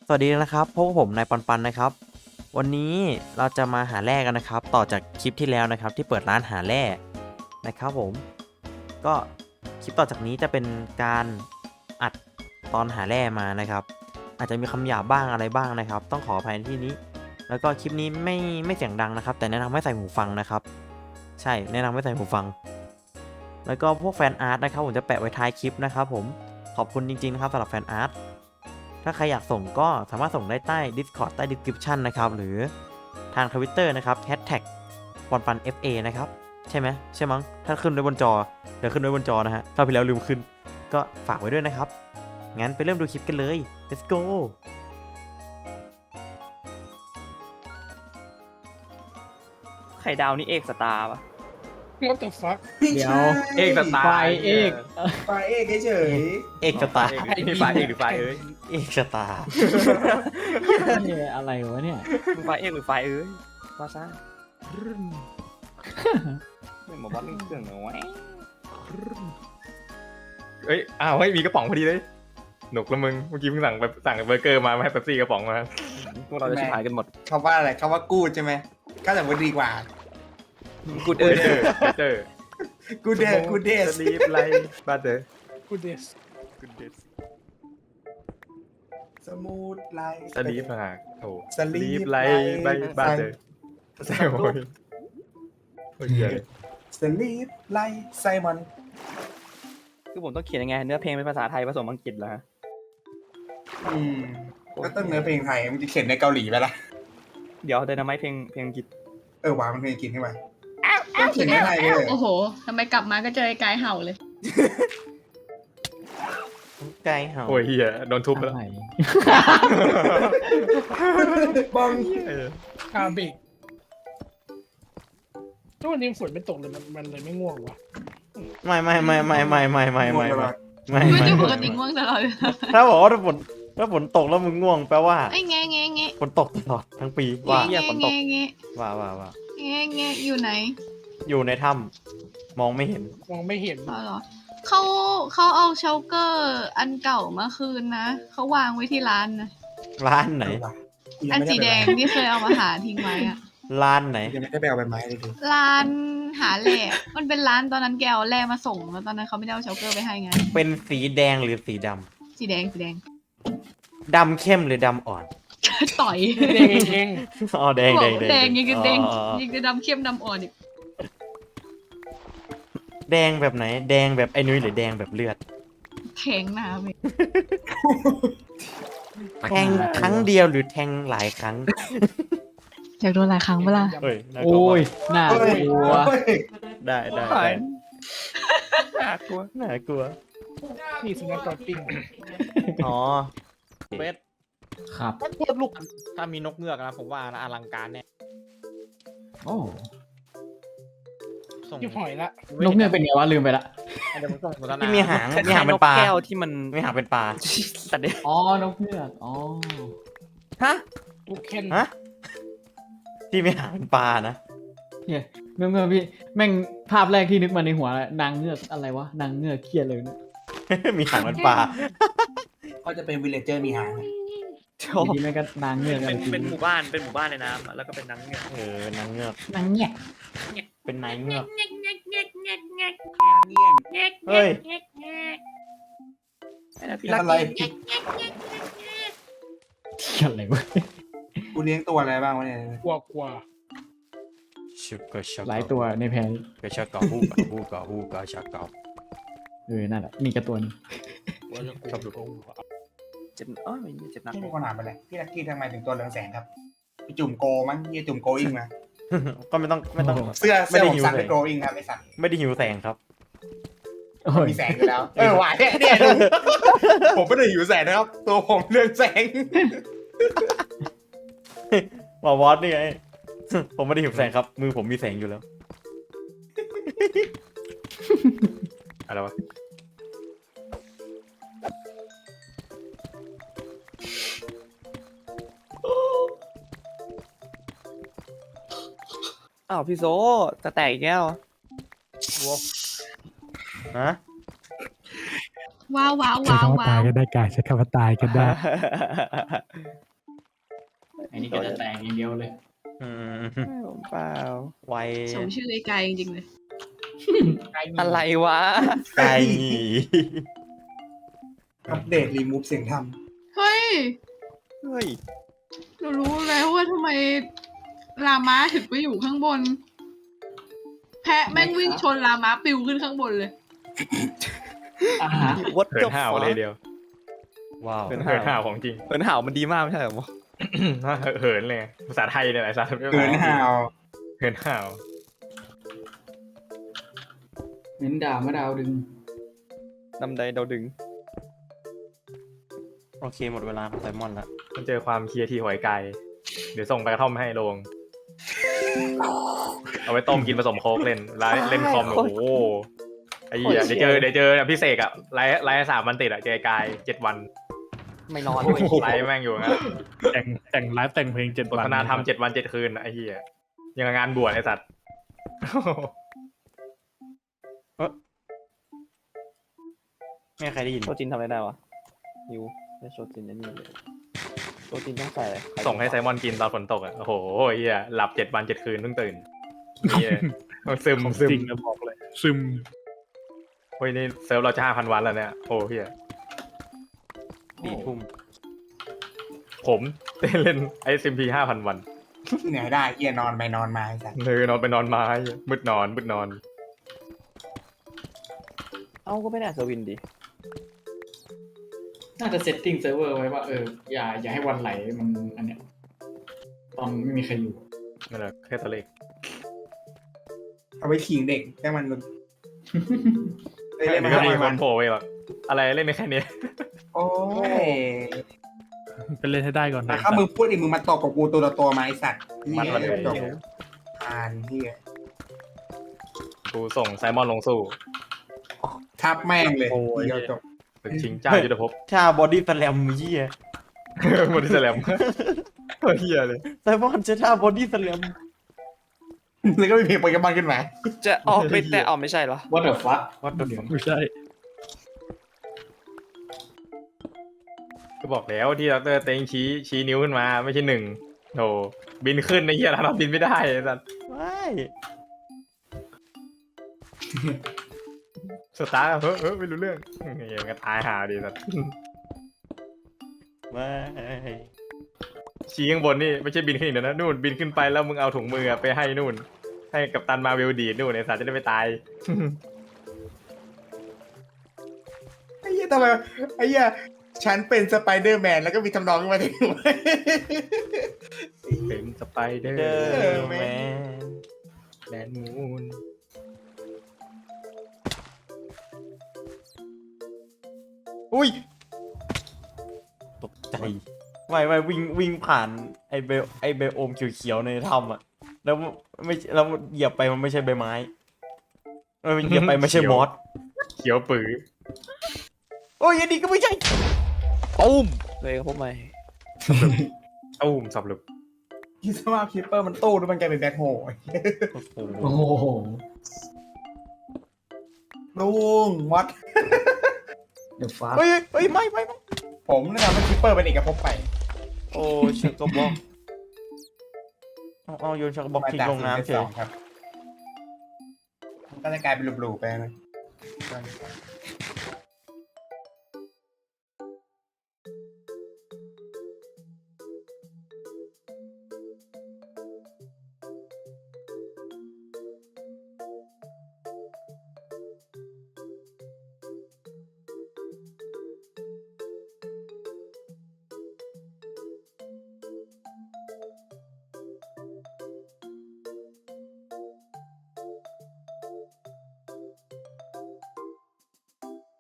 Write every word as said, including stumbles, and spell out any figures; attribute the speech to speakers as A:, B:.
A: สวัสดีนะครับพบกับผมนายปันปันนะครับวันนี้เราจะมาหาแร่กันนะครับต่อจากคลิปที่แล้วนะครับที่เปิดร้านหาแร่นะครับผมก็คลิปต่อจากนี้จะเป็นการอัดตอนหาแร่มานะครับอาจจะมีคำหยาบบ้างอะไรบ้างนะครับต้องขออภัยในที่นี้แล้วก็คลิปนี้ไม่ไม่เสียงดังนะครับแต่แนะนำให้ใส่หูฟังนะครับใช่แนะนำให้ใส่หูฟังแล้วก็พวกแฟนอาร์ตนะครับผมจะแปะไว้ท้ายคลิปนะครับผมขอบคุณจริงๆนะครับสำหรับแฟนอาร์ตถ้าใครอยากส่งก็สามารถส่งได้ใต้ Discord ใต้ Description นะครับหรือทาง Twitter นะครับ แฮชแท็ก ปอนปัน เอฟ เอ นะครับใช่ไหมใช่มั้งถ้าขึ้นไว้บนจอเดี๋ยวขึ้นไว้บนจอนะฮะถ้าพี่แล้วลืมขึ้นก็ฝากไว้ด้วยนะครับงั้นไปเริ่มดูคลิปกันเลย let's go
B: ไข่ดาวนี่เอกสตาร์ปะ
C: What the fuck
D: เดี๋ยว
B: เอกสตาร์
D: ไฟเอก
C: ไฟเอกเฉย
A: เอกชะตา
B: เอกนี่ไฟเอกหรือไฟเอ้ย
A: เอกชะตา
D: นี่อะไรวะเนี่ย
B: มึงไฟเอกหรือไฟเอ้ยว่าซ่าไม่หมอบัสเล่นเครื่องเหรอวะเอ้ยอ้าวเฮ้ยมีกระป๋องพอดีเลยหนุกละมึงเมื่อกี้เพิ่งสั่งไปสั่งเบอร์เกอร์มาไม่ให้เป๊ปซี่กระป๋องมาพวกเราจะชิบหายกันหมด
C: ๆเขาว่าอะไรเขาว่ากูดใช่ไหมก็แต่ว่าดีกว่า
B: กูเดอร์เดอร์
C: กูเดสกูเดส
B: สลีปไลบาเดอร์
C: กูเดส
B: กูเดส
C: สมูทไลท์
B: สลีปห่างโถ
C: สลีป
B: ไลบาเดอร์แซมโอ้ยโอ้ยเหี้ย
C: สลีปไลท์ไซมอน
B: คือผมต้องเขียนยังไงเนื้อเพลงเป็นภาษาไทยผสมอังกฤษเหรอฮะ
C: อืมก็ต้องเนื้อเพลงไทยมันจะเขียนในเกาหลีไปละ
B: เดี๋ยวเดนามเพลงเพลงอังกฤษ
C: เออวางมันเพลงกินขึ้นมาต้องเขียนในไทยเลย
E: โอ้โห ทำไมกลับมาก็เจอไอ้กายเห่าเลย
A: ไกลเห่า
B: โอ้ยเฮียโดนทุบไปแล้ว
D: อะไร
C: บัง
F: อาเบกทุกวันนี้ฝนไม่ตกเลยมันมันเลยไม่ง่วงวะ
A: ไม่ไม่ไม่ไม่ไม่ไม่ไม่ไม่ไม่ไม่
E: ไม่
A: ไม่
E: ได้ปกติง่วงตลอดเลย
A: ถ้าบอกว่าถ้าฝนถ้าฝนตกแล้วมึงง่วงแปลว่า
E: ไอ้แงะแงะแงะ
A: ฝนตกตลอดทั้งปีว่า
E: แงะแงะแงะ
A: ว่าว่าว่า
E: แงะแงะอยู่ไหน
A: อยู่ในถ้ำมองไม่เห็น
F: มองไม่เห็น
E: อ๋อเหรอเขาเขาเอาเชลเกอร์อันเก่ามาคืนนะ เขาวางไว้ที่ร้านนะ
A: ร้านไหน
E: อันสีแดงที่เคยเอามาหาทิ้งไว้อะ
A: ร้านไหน
C: ยังไม่ได้ไปเอาใบไม้เลยดู
E: ร้านหาแร่มันเป็นร้านตอนนั้นแกเอาแร่มาส่งแล้วตอนนั้นเขาไม่ได้เอาเชลเกอร์ไปให้ไง
A: เป็นสีแดงหรือสีด
E: สีแดงสีแดง
A: ำดำเข้มหรือดำอ่อน
E: ต่อย
F: เด้งเอง
A: อ๋อแดงแดง
E: แดงยังกับแดง
A: อ๋อ
E: ยังกับดำเข้มดำอ่อนอีก
A: แดงแบบไหน แดงแบบไอ้นุ้ยหรือแดงแบบเลือด
E: แทงหน้าไป
A: แทงครั้งเดียวหรือแทงหลายครั้ง
E: อยากโดนหลายครั้งเวลา
A: เฮ้ยน่ากลัว
D: โอ้ยน่า
C: เฮ้ย
D: กลัว
C: เฮ้ย
A: ได้ได้ได้
B: น่ากลัว
A: น่ากลัว
F: นี่สุนัขจอดปิ้ง
A: อ๋อเวท
D: ครับ
A: ถ้าเทียบลูกถ้ามีนกเงือกนะผมว่าอลังการเนี่ย
D: โอ้
A: ส่ง
F: ที่หอยละ
D: นกเนี่ยเป็นไงวะลืมไปละ
A: เดี๋ยวผมส่งโฆษณาที่มีหางมีหางเป็นปลา
B: แก้วที่มัน
A: มีหางเป็นปลา
B: สัตว์เด็ก
D: อ๋อนกเงือกอ๋อ
A: ฮะ
F: ลูกเคน
A: ฮะที่มีหางเป็นปลานะ
D: เนี่ยเมื่อเมื่อพี่แม่งภาพแรกที่นึกมาในหัวนางเงือกอะไรวะนางเงือกเครียดเลยเนี่ย
A: มีหางเป็นปลา
C: ก็จะเป็นวิลเลเจอร์มีหาง
D: อยู่ดีแม่งก็นางเงือก
B: เป็น
D: จริง
B: เป็นหมู่บ้านเป็นหมู่บ้านในน้ำอะแล้วก็เป็นนังเงือก
A: เออเป็นนางเงือก
D: นางเงียบ
A: เป็นนายเงือก
C: เงี้ยง
A: เฮ้ย
B: ไอ้นะพี่
C: เป็น
B: รัก
C: อะไร
D: เครียดอะไรวะ
C: กูเลี้ยงตัวอะไรบ้างวะเนี่ย
F: กลัวกลัว
A: ชุกกะชัก
D: หลายตัวในแพน
A: กะชักกะฮูกะฮูกะฮูกะชักกะ
D: เออนั่นแหละมีกระตัวนึง
F: ชอบดู
B: เจ็บอ้อไม่เจ็บหนัก
C: พี่มีคนถามไปเลยพี่ลักกี้ทำไมถึงตัวเหลืองแสงครับพี่จุ่มโกมั้งยี่จุ่มโกอิงมา
A: ก็ไม่ต้องไม่ต้อง
C: เสื้อ
A: ไม่
C: เสื้อ
A: ได้
C: ผม
A: หิว
C: สั่ง
A: แส
C: เป็
A: ง
C: นโกอิงครับไม่สั่ง
A: ไม่ได้หิวแสงครับ
D: โอ้ย
C: มีแสงอยู่แล้ว เออหวานเนี่ยเนี่ยดูผมไม่ได้หิวแสงนะครับ ตัวผมเรืองแสง
A: หมอวอสนี่ไง ผมไม่ได้หิวแสงครับ มือผมมีแสงอยู่แล้ว
B: อะไรวะอ้าวพี่โซจะแตกอีกแล้ว
A: ฮะ
E: ว้าวว้าว
G: ใช้
E: ว้าว
G: คำว่า
E: ว้า
G: ตายว ก็ได้กายใช้คำว่าตายก็ได้
D: อันนี้ก็จะแตกอย่างเดียวเลย
A: อืม
H: ผมเปล่า
A: ไว
E: สมชื่อไอ้กายจริงๆเลย
H: อะไรวะ
A: ไก่
C: อัปเดตรีมูฟเสียงท
E: เฮ้ย
H: เฮ้ย
E: หนูรู้แล้วว่าทำไมลาม้าถึงไปอยู่ข้างบน แพะแม่งวิ่งชนลาม้าปิวขึ้นข้างบนเลย
D: อ่าฮะ
H: วัด
B: เหินห่าวเลยเดียว
A: ว้าว
H: เหิน
B: เหินห่าวของจริง
H: เหินห่าวมันดีมากไม่ใช่เหรอหมอ
B: เหินเลยภาษาไทยเนี่ยแหละภาษา
C: ำเกินห่าว
B: เหินห่าว
D: เน้นดาวมาดาวดึง
H: นำใดเราดึง
A: โอเคหมดเวลาของไซมอนละ
B: มันเจอความเคลียร์ที่หอยไก่เดี๋ยวส่งไปกระท่อมให้ลง เอาไว้ต้มกินผสมโค้กเล่นไลฟ์เล่นคอมโอ้โหไอ้เหี้ยเดี๋ยวเจอเดี๋ยวเจอพี่เสกอะไลฟ์ไลฟ์สามวันติดอะเจอกายเจ็ดวัน
H: ไม่นอน
B: ไลฟ์แม่งอยู่งั้น
G: แต่งแต่งไลฟ์แต่งเพลงเจ็ด
B: บ
G: วั
B: ท
G: น
B: คณะทำเจ็ดวันเจ็ดคืนอะไอ้เหี้ยยังกับงานบวชไอ้สัตว์
A: ไม่มีใครได้ยิน
H: โชจินทำอะไรได้วะยูไม่โชจินไอ้นี่เลยโชจินต้องใส่อะไร
B: ส่งให้ไซมอนกินตอนฝนตกอะโอ้โหไอ้เหี้ยหลับเจ็ดวันเจ็ดคืนเพิ่งตื่นเหี้ยซึม
G: ของ
B: ซึม
G: จริงนะบอกเลย ซึม
B: เฮ้ยนี่เซิร์ฟเราจะห้าพันวันแล้วเนี่ยโอ้เหี้ย
A: สี่ทุ่ม
B: ผมเล่นไอซิมพีห้าพันวัน
C: ที่ไหนได้เอียนอนไปนอนมาไอ้สัส
B: เลยนอนไปนอนมาไอ้เหี้ยมืดนอนมืดนอน
H: เอ้าก็ไม่ได้สวินดิ
D: น่าจะเซตติ้งเซิร์ฟเวอร์ไว้ว่าเอออย่าอย่าให้วันไหลมันอันเนี้ยตอนไม่มีใครอยู่
B: นั่นแหละแค่ตัวเลข
C: เอาไปขิงเด็กแค่มันแบบเล่น
B: อัน
C: มา
B: นี้ก็
C: ห้า
B: มี
C: วัน
B: คนโผล่ไปแบบอะไรเล่นในแค่นี้
C: โอ้ย
G: ไปเล่นให้ได้ก่อน
C: แต่ถ้ามึงพูดอีกมึงมาตบกับกูตัวต่อตัวมาไอสัตว์
B: มันมันเลย
C: จบอ่านเฮีย
B: กูส่งไซมอนลงสู้
C: ทับแม่งเลยเดียวจบ
B: ศึกชิงเจ้ายุทธภพ
A: ถ้าบอดี้สแลมเยี่ย
B: หมดที่แสลมเฮียเลย
A: ไซมอนจะท่าบอดี้สแลม
C: แล้วก็มีเพลงโปเกมอนขึ้นมา
H: จะออกไม่แต่ออกไม่ใช่เหรอ
D: What the fuck
A: วัดเดือด
G: ไม่ใช่
B: ก็บอกแล้วที่ดรเต็งชี้ชี้นิ้วขึ้นมาไม่ใช่หนึ่งโธ่บินขึ้นในเฮียเราบินไม่ได้ไอ้สัส
A: ไม่
B: สตาร์ทเฮ้ยเฮ้ยไม่รู้เรื่องเฮียมันก็ตายหาดีสัส
A: ไม่
B: ชี้ข้างบนนี่ไม่ใช่บินขึ้นอีกนะนู่นบินขึ้นไปแล้วมึงเอาถุงมือไปให้นู่น ให้กับตันมาเวลดีดนู่นไอ้สัสจะได้ไม่ตาย
C: ไอ้เหี้ยทำไมไอ้เหี้ยฉันเป็นสไปเดอร์แมนแล้วก็มีทำนองขึ้นมาถึง
B: เป็นสไปเดอ
A: เดอ
B: ร์
A: ร์แมน
B: แดนมูน
A: อุ้ยตกใจไม่ไม่วิ่งวิ่งผ่านไอเบลไอเบลโอมเขียวๆในถ้ำอะแล้วไม่แล้วเหยียบไปมันไม่ใช่ใบไม้มันเหยียบไปไม่ใช่มอส
B: เขียวปื้อ
A: โอ้ยอันนี้ก็ไม่ใช่
H: ตุ้มเลยครับผมใหม่
B: ตุ้มสับหลุบ
C: คิดสว่าคิปเปอร์มันตู้แล้วมันกลายเป็นแบ็คโฮ
A: โอ้โห
D: โอ้โห
C: ลุงวัด
D: เดี๋ยวฟ้า
A: เฮ้ยเฮ้ยไม่ไม่ไม่
C: ผมแนะนำให้คิปเปอร์เป็นเอกภพไป
A: โอ้ชักกระบอกเอาเอาโยนชักกระบอกทิ้งลงน้ำเฉย
C: ครับมันก็จะกลายเป็นบลูๆไปนะ